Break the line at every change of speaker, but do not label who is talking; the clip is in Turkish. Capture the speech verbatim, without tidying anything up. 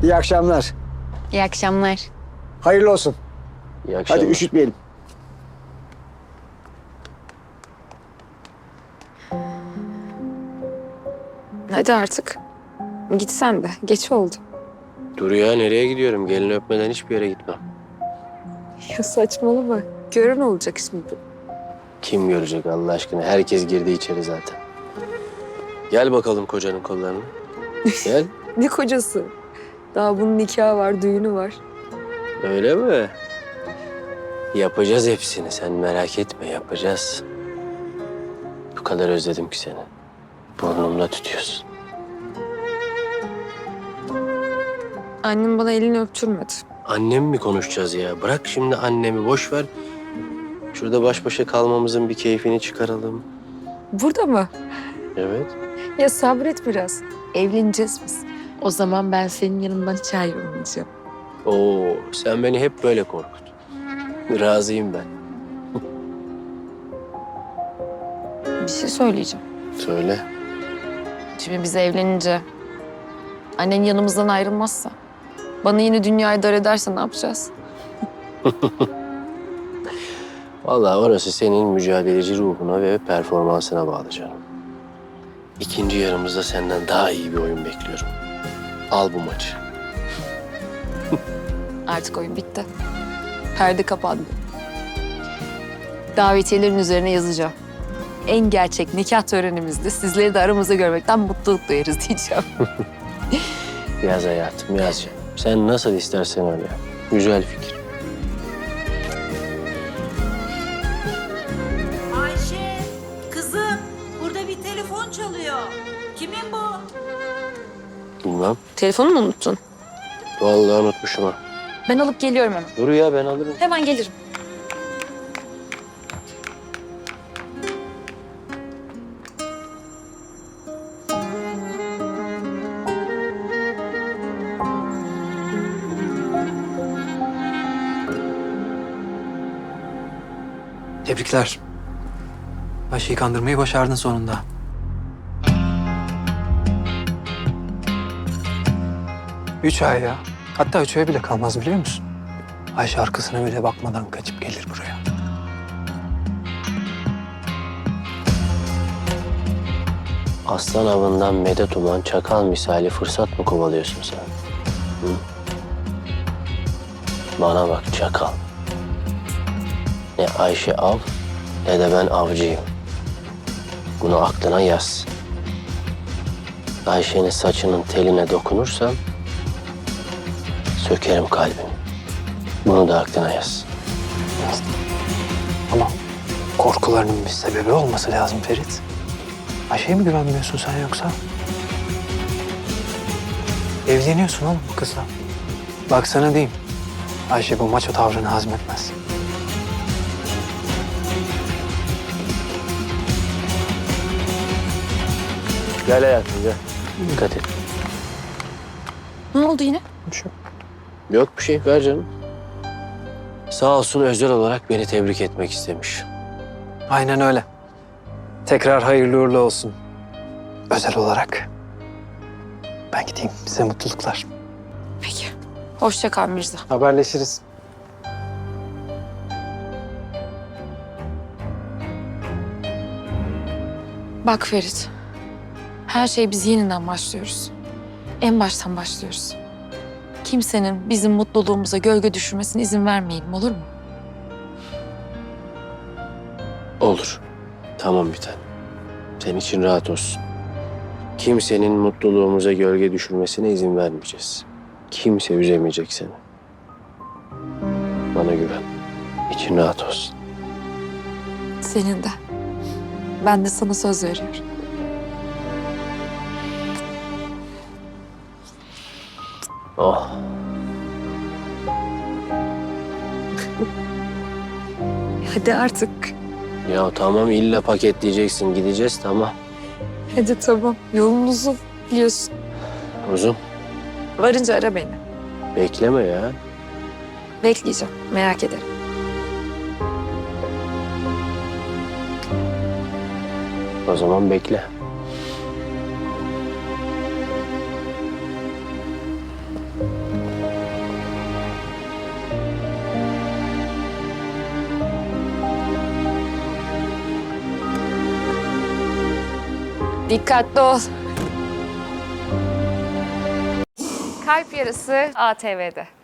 İyi akşamlar.
İyi akşamlar.
Hayırlı olsun.
İyi akşamlar.
Hadi üşütmeyelim.
Hadi artık. Git sen de. Geç oldu.
Dur ya, nereye gidiyorum? Gelini öpmeden hiçbir yere gitmem.
Ya saçmalama. Gören olacak şimdi.
Kim görecek Allah aşkına? Herkes girdi içeri zaten. Gel bakalım kocanın kollarına. Gel.
Ne kocası? Daha bunun nikahı var, düğünü var.
Öyle mi? Yapacağız hepsini. Sen merak etme, yapacağız. Bu kadar özledim ki seni. Burnumda tutuyorsun.
Annem bana elini öptürmedi.
Annem mi konuşacağız ya? Bırak şimdi annemi, boş ver. Şurada baş başa kalmamızın bir keyfini çıkaralım.
Burada mı?
Evet.
Ya sabret biraz. Evleneceğiz biz. O zaman ben senin yanından hiç ayrılmayacağım.
Oo, sen beni hep böyle korkut. Razıyım ben.
Bir şey söyleyeceğim.
Söyle.
Şimdi biz evlenince annen yanımızdan ayrılmazsa, bana yine dünyayı dar ederse ne yapacağız?
Vallahi orası senin mücadeleci ruhuna ve performansına bağlı canım. İkinci yarımızda senden daha iyi bir oyun bekliyorum. Al bu maçı.
Artık oyun bitti. Perde kapandı. Davetiyelerin üzerine yazacağım. En gerçek nikah törenimizde sizleri de aramızda görmekten mutluluk duyarız diyeceğim.
Yaz hayatım, yaz canım. Sen nasıl istersen öyle yap. Güzel fikir.
Ayşe, kızım burada bir telefon çalıyor. Kimin bu?
Bilmem.
Telefonu mu unuttun?
Vallahi unutmuşum ha.
Ben alıp geliyorum hemen.
Dur ya, ben alırım.
Hemen gelirim.
Tebrikler. Ayşe'yi kandırmayı başardın sonunda. Üç ay ya. Hatta üç ay bile kalmaz biliyor musun? Ayşe arkasına bile bakmadan kaçıp gelir buraya.
Aslan avından medet uman çakal misali fırsat mı kovalıyorsun sen? Hı? Bana bak çakal. Ne Ayşe av ne de ben avcıyım. Bunu aklına yaz. Ayşe'nin saçının teline dokunursam sökerim kalbini. Bunu da aklına yaz.
Ama korkularının bir sebebi olması lazım Ferit. Ayşe'ye mi güvenmiyorsun sen yoksa? Evleniyorsun oğlum bu kızla. Bak sana diyeyim. Ayşe bu maço tavrını hazmetmez.
Gel hayatım gel. Dikkat et.
Ne oldu yine?
Şu.
Yok bir şey, ver canım. Sağ olsun özel olarak beni tebrik etmek istemiş.
Aynen öyle. Tekrar hayırlı uğurlu olsun. Özel olarak. Ben gideyim. Size mutluluklar.
Peki. Hoşça kal Mirza.
Haberleşiriz.
Bak Ferit. Her şey biz yeniden başlıyoruz. En baştan başlıyoruz. Kimsenin bizim mutluluğumuza gölge düşürmesine izin vermeyelim, olur mu?
Olur. Tamam bir tanem. Senin için rahat olsun. Kimsenin mutluluğumuza gölge düşürmesine izin vermeyeceğiz. Kimse üzemeyecek seni. Bana güven. İçin rahat olsun.
Senin de. Ben de sana söz veriyorum.
Oh.
Hadi artık.
Ya tamam, illa paketleyeceksin. Gideceğiz, tamam.
Hadi tamam. Yolun uzun biliyorsun.
Uzun.
Varınca ara beni.
Bekleme ya.
Bekleyeceğim. Merak ederim.
O zaman bekle.
Dikkatli ol.
Kalp Yarısı A T V'de.